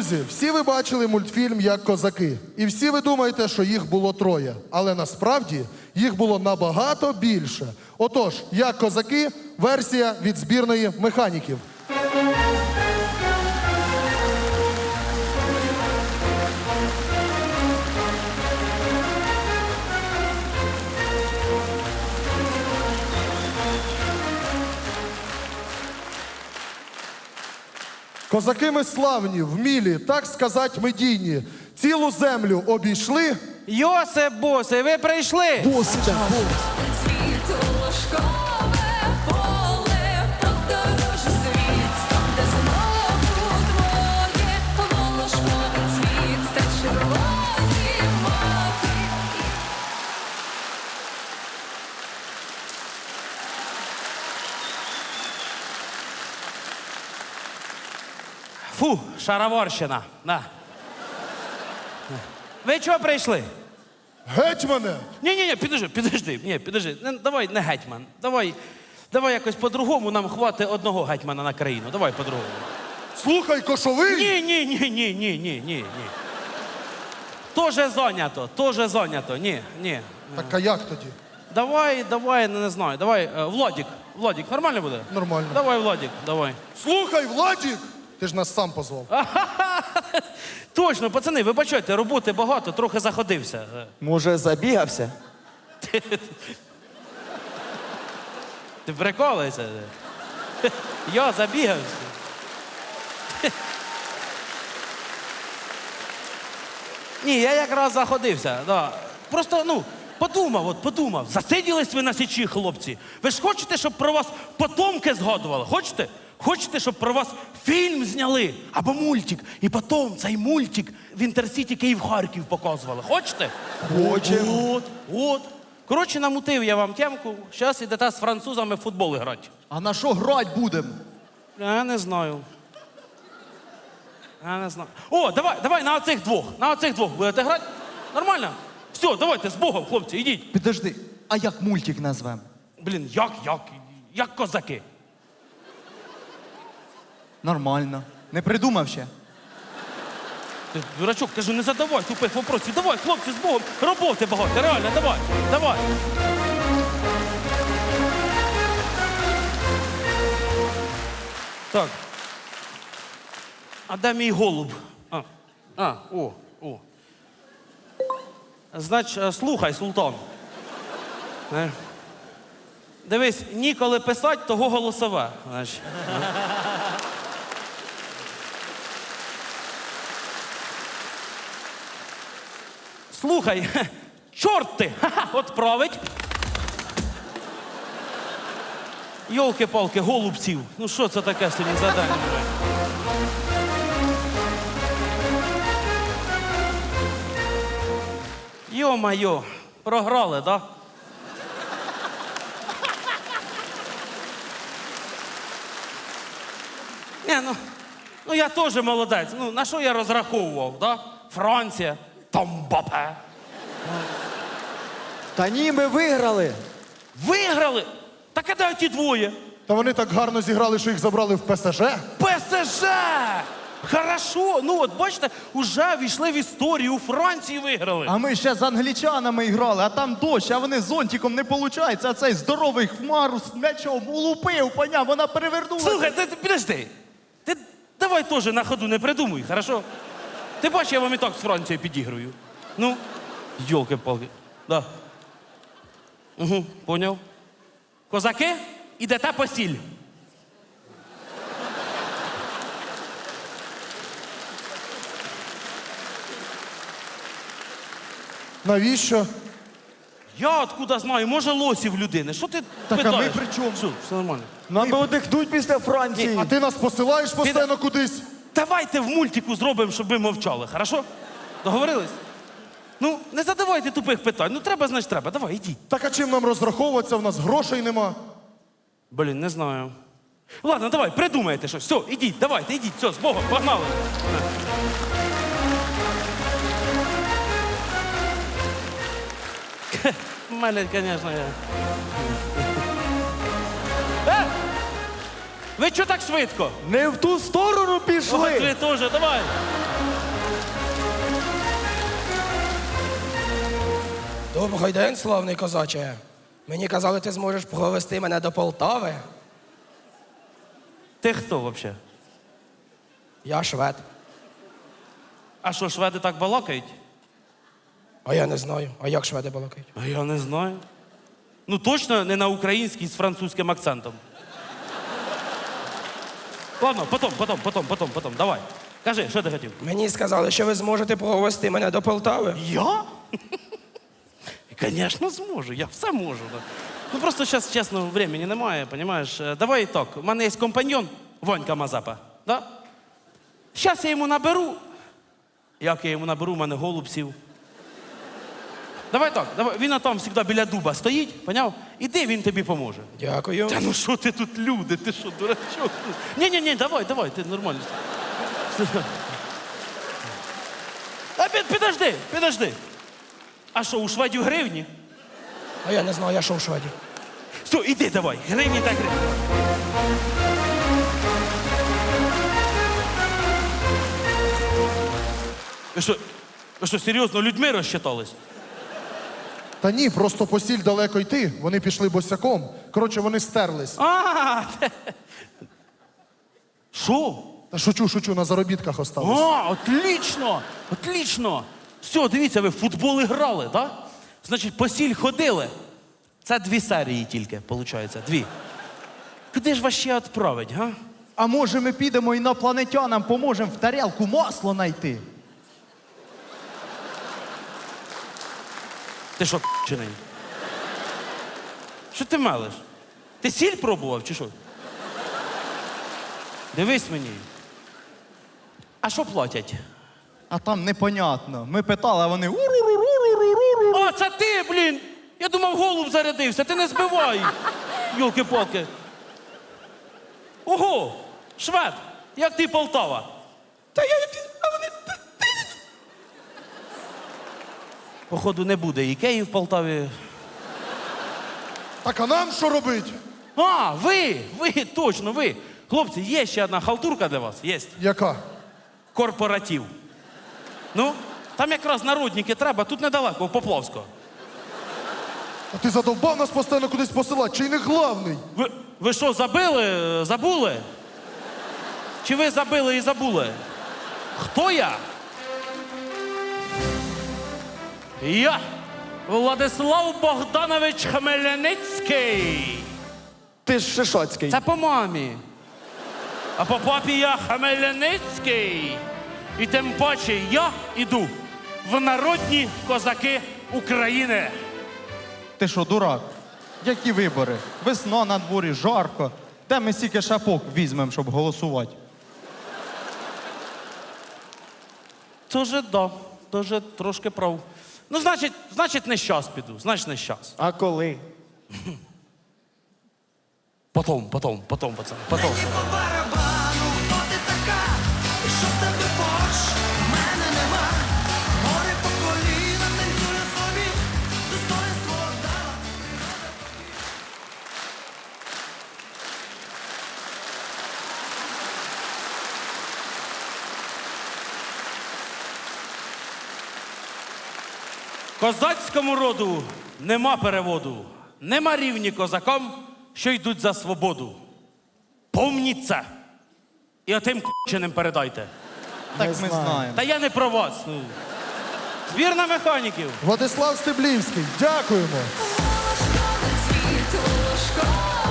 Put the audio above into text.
Друзі, всі ви бачили мультфільм «Як козаки». І всі ви думаєте, що їх було троє. Але насправді їх було набагато більше. Отож, «Як козаки» – версія від збірної механіків. Козаки ми славні, вмілі, так сказать, медійні. Цілу землю обійшли. Йосип Босий, ви прийшли? Цвіту ложкове поле, подорож світ, де знову двоє, волошковий цвіт та червоні маки. Фу, шароварщина. На. Ви чого прийшли? Гетьмане! Ні, підожди. Ні, підожди. Давай не гетьман. Давай якось по-другому, нам хватить одного гетьмана на країну. Давай по-другому. Слухай, кошовий! Ні. Тоже зайнято. Ні. Так а як тоді? Давай, не знаю. Давай, Владик, нормально буде? Нормально. Давай, Владик, давай. Слухай, Владік! Ти ж нас сам позвав. Точно, пацани, вибачайте, роботи багато, трохи заходився. Може, забігався? Ти приколуєшся? Я забігався. Ні, я якраз заходився. Да. Просто, подумав. Засиділись ви на січі, хлопці. Ви ж хочете, щоб про вас потомки згадували? Хочете? Хочете, щоб про вас фільм зняли? Або мультик. І потім цей мультик в Інтерсіті Київ-Харків показували. Хочете? Хочемо. От. Коротше, намутив я вам темку. Зараз ідете з французами в футбол грати. А на що грати будемо? Я не знаю. О, давай на оцих двох. На оцих двох будете грати? Нормально? Все, давайте, з Богом, хлопці, ідіть. Підожди, а як мультик назвемо? Блін, як козаки. Нормально. Не придумав ще? Ти, дурачок, кажу, не задавай тупих вопросів. Давай, хлопці, з Богом, роботи багато, реально, давай. Так. А де мій голуб? О. Значить, слухай, султан. Дивись, ніколи писать, того голосове. Значить. Слухай, чорт ти! От править. Йолки-палки, голубців. Ну що це таке сьогодні задання? Йо-майо, програли, да? Ні, ну я теж молодець. Ну, на що я розраховував, да? Франція, Мбаппе. Та ні, ми виграли. Виграли? Так а де ті двоє? Та вони так гарно зіграли, що їх забрали в ПСЖ. ПСЖ! Хорошо, ну от бачите, уже війшли в історію, у Франції виграли. А ми ще з англічанами грали, а там дощ, а вони зонтиком не виходить. А цей здоровий хмару з м'ячом улупив, поняв, вона перевернулася. Слухай, ти підожди. Ти давай теж на ходу не придумуй, хорошо? Ти бачиш, я вам і так з Францією підігрую. Ну, йолки-палки. Да. Угу, поняв. Козаки, ідете по сіль. Навіщо? Я откуда знаю, може лосів людини. Що ти Так, а питаєш? ми при чому? Все нормально. Нам би одихнуть після Франції. А ти нас посилаєш постійно кудись? Давайте в мультику зробимо, щоб ви мовчали, хорошо? Договорились? Ну, не задавайте тупих питань. Ну, треба, значить, треба. Давай, ідіть. Так а чим нам розраховуватися? В нас грошей нема. Блін, не знаю. Ладно, давай, придумайте щось. Все, ідіть, давайте, ідіть. Все, з Богом, погнали. У мене, звісно, я... Ви чого так швидко? Не в ту сторону От пішли. ви теж, давай. Добрий день, славний козаче. Мені казали, ти зможеш провести мене до Полтави. Ти хто взагалі? Я швед. А що, шведи так балакають? А я не знаю. А як шведи балакають? А я не знаю. Ну точно не на українській з французьким акцентом. Ладно, потом. Давай. Кажи, що ти хотів? Мені сказали, що ви зможете провести мене до Полтави. Я? Звісно, зможу, я все можу. Да. Ну просто зараз, чесно, времени немає, розумієш? Давай так, у мене є компаньон Ванька Мазепа. Да? Зараз я йому наберу. Як я йому наберу, у мене голуб сів. Давай так, давай. Він там завжди біля дуба стоїть, поняв? Іди, він тобі поможе. Дякую. Та ну що ти тут люди, ти що, дурачок? Ні, давай, ти нормально. А підожди. А що, у шведів гривні? А я не знаю, я що в Шведі. Все, іди давай, гривні так гривні. Ви що, серйозно, людьми розчитались? Та ні, просто посіль далеко йти. Вони пішли босяком. Коротше, вони стерлись. Що? Та шучу, на заробітках остались. Отлично. Все, дивіться, ви в футбол грали, так? Значить, по сіль ходили. Це 2 серії тільки, виходить, 2. Куди ж вас ще відправить, га? А може ми підемо інопланетянам поможемо в тарілку масло знайти? Ти що, чиний? Що ти мелиш? Ти сіль пробував, чи що? Дивись мені. А що платять? А там непонятно. Ми питали, а вони уруруруруруру. А, це ти, блін! Я думав, голуб зарядився, ти не збивай! Йолки-палки. Ого! Швед! Як ти Полтава? А вони... Походу, не буде Ікеї в Полтаві. Так а нам що робить? А, ви, точно, ви. Хлопці, є ще одна халтурка для вас, є. Яка? Корпоратив. Ну, там якраз народники треба, тут недалеко, в Поплавського. А ти задовбав нас постійно кудись посилати, чи й не главний? Ви що, забули? Чи ви забили і забули? Хто я? Я Владислав Богданович Хмельницький. Ти ж Шишоцький. Це по мамі. А по папі я Хмельницький. І тим паче я іду в народні козаки України. Ти що, дурак? Які вибори? Весна на дворі, жарко. Де ми стільки шапок візьмемо, щоб голосувати? Тоже трошки прав. Ну, значить, не щас піду, не щас. А коли? Потом, пацани, потом. По барабану, хто ти така? Що в тебе борщ? В мене нема. Море по коліна, танцює собі, достоинство дала. Козацькому роду нема переводу, нема рівні козакам, що йдуть за свободу. Помніть це. І отим к***чиним передайте. Так ми знаємо. Та я не про вас. Ну. Збірна механіків. Владислав Стеблівський, дякуємо. Волошковий цвіт, волошковий